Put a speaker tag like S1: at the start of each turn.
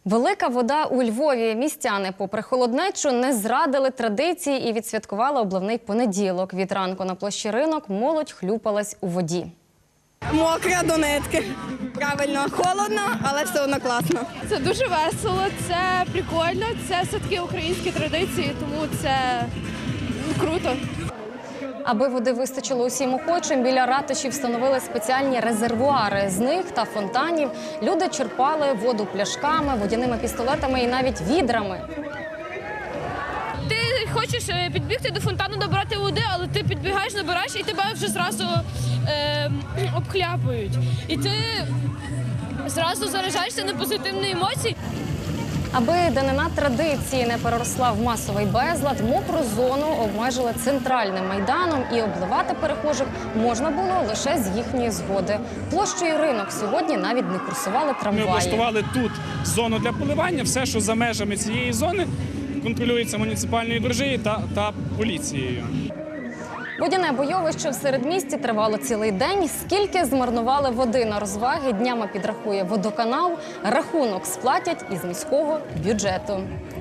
S1: Велика вода у Львові. Містяни, попри холоднечу, не зрадили традиції і відсвяткували обливний понеділок. Від ранку на площі Ринок молодь хлюпалась у воді.
S2: Мокра до нитки. Правильно, холодно, але все одно класно.
S3: Це дуже весело, це прикольно, це все-таки українські традиції, тому це круто.
S1: Аби води вистачило усім охочим, біля ратуші встановили спеціальні резервуари. З них та фонтанів люди черпали воду пляшками, водяними пістолетами і навіть відрами.
S3: Ти хочеш підбігти до фонтану, набрати води, але ти підбігаєш, набираєш і тебе вже зразу обхляпують. І ти зразу заряджаєшся на позитивні емоції.
S1: Аби данина традиції не переросла в масовий безлад, мокру зону обмежили центральним майданом і обливати перехожих можна було лише з їхньої згоди. Площею Ринок сьогодні навіть не курсували
S4: Ми
S1: трамваї.
S4: облаштували тут зону для поливання. Все, що за межами цієї зони, контролюється муніципальною дружиною та поліцією.
S1: Водяне бойовище в середмісті тривало цілий день. Скільки змарнували води на розваги, днями підрахує водоканал. Рахунок сплатять із міського бюджету.